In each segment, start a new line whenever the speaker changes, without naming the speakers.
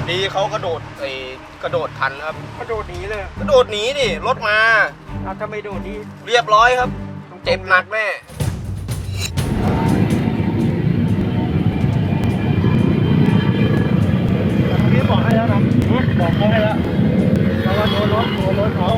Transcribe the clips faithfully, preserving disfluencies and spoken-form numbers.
ดีเขากระโดดไอ้กระโดดทันครับ
กระโดดหนีเลย
กระโดดหนีดิรถมา
เอาถ้าไม่โดดนี่
เรียบร้อยครับเจ็บหนักแน่
พี่บอกให้แล้วนะบอกเขาให้แล้วแล้วว่าโดนรถโดนรถเขา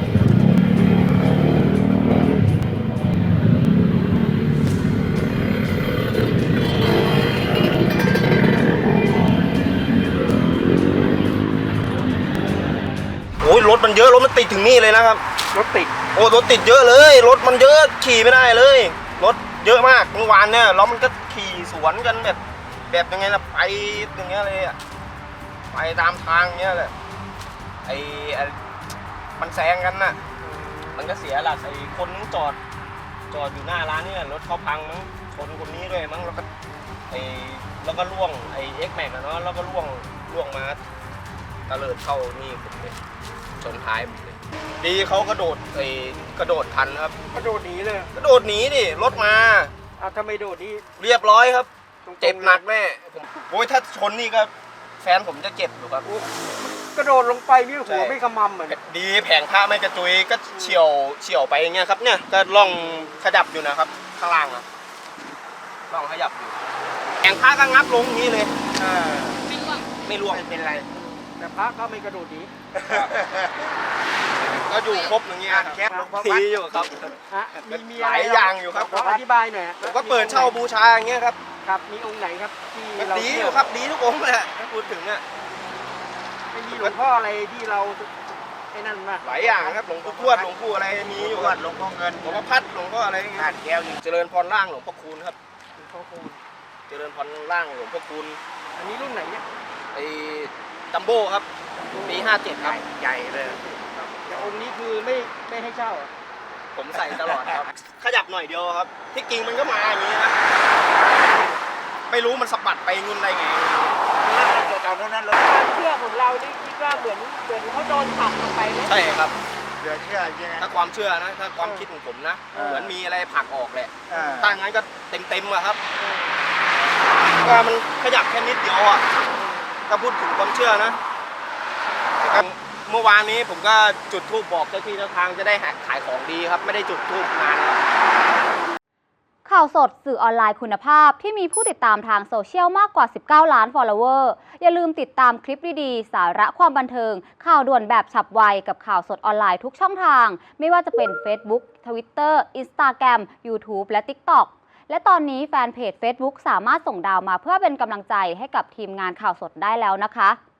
โอ้ยรถมันเยอะรถมันติดถึงนี่เลยนะครับ
รถติด
โอ้รถติดเยอะเลยรถมันเยอะขี่ไม่ได้เลยรถเยอะมากเมื่อวานเนี่ยแล้วมันก็ขี่สวนกันแบบแบบยังไงล่ะไปอย่างเงี้ยเลยอะไปตามทางเงี้ยแหละไอ้มันแซงกันน่ะมันก็เสียหลักไอ้คนนึงจอดจอดอยู่หน้าร้านนี่รถเขาพังมั้งชนคนนี้ด้วยมั้งแล้วก็ไอ้แล้วก็ล่วงไอ้เอ็กแม็กอะเนาะแล้วก็ล่วงล่วงมาตะเลิดเข้านี่ผมเลยชนท้ายผมเลยดีเขากระโดดไอ้กระโดดทันครับ
กระโดดหนีเลย
กระโดดหนีดิรถมา
เอาถ้าไม่โดดนี่
เรียบร้อยครับเจ็บหนักแน่ผมโอ้ยถ้าชนนี่ก็แฟนผมจะเจ็บอยู่ครับ
กระโดดลงไปนี่หัวไม่ขมำเหมือน
ดีแผงผ้าไม่กระจุยก็เฉียวเฉียวไปอย่างเงี้ยครับเนี่ยก็ล่องขยับอยู่นะครับข้างล่างนะล่องขยับอยู่แผงผ้าก็งับลงนี้เลยไม่ร่วงไม่ร่วง
ไม่เป็นไรแต่พระก็ไม่กระโดดหนี
ก็อยู่ครบอย่างเงี้ยแคบทีอยู่ครับ
มีมี
หลายอย่างอยู่ครับ
อธิบายหน่อย
ผมก็เปิดเช่าบูชาอย่างเงี้ยครับ
ครับมีองค์ไหนครับที่เรา
ดีอยู่ครับดีทุกองค์เลยถ้าพูดถึงอ่ะ
ไม่มีหลวงพ่ออะไรที่เราไอ้นั่นมา
หลายอย่างครับหลวงปู่ทวดหลวงปู่อะไรมีอยู่ครับ
หลวงพ่อเงิน
หลวงพ่อพัดหลวงพ่ออะไรเงี้ยแก้วเจริญพรล่างหลวงพ่อคูณครับ
หลวงพ่อคูณ
เจริญพรล่างหลวงพ่อคูณ
อันนี้รุ่นไหนเนี่ย
ไอ้จัมโบ้ครับปีห้าเจ็ดครับ
ใหญ่เลยแต่องค์นี้คือไม่ไม่ให้เช่า
ผมใส่ตลอดครับขยับหน่อยเดียวครับที่กิ่งมันก็มาอย่างนี้นะไม่รู้มันสะบัดไปงุนอะไรไง
ตอนนั้นเลยความเชื่อของเรานี่คิดว่าเหมือนเหมือนเขาโดนผลักลงไปไหม
ใช่ครับ
เหลือเชื่อใช่ไหม
ถ้าความเชื่อนะถ้าความคิดของผมนะเหมือนมีอะไรผลักออกแหละถ้างั้นก็เต็มเต็มอะครับก็มันขยับแค่นิดเดียวอะถ้าพูดถึงความเชื่อนะเมื่อวานนี้ผมก็จุดธูปบอกเจ้าที่เจ้าทางจะได้ขายของดีครับไม่ได้จุดธูปนานแล้ว
ข่าวสดสื่อออนไลน์คุณภาพที่มีผู้ติดตามทางโซเชียลมากกว่าสิบเก้าล้าน follower อย่าลืมติดตามคลิปดีๆสาระความบันเทิงข่าวด่วนแบบฉับไวกับข่าวสดออนไลน์ทุกช่องทางไม่ว่าจะเป็น Facebook Twitter Instagram YouTube และ TikTok และตอนนี้แฟนเพจ Facebook สามารถส่งดาวมาเพื่อเป็นกำลังใจให้กับทีมงานข่าวสดได้แล้วนะคะ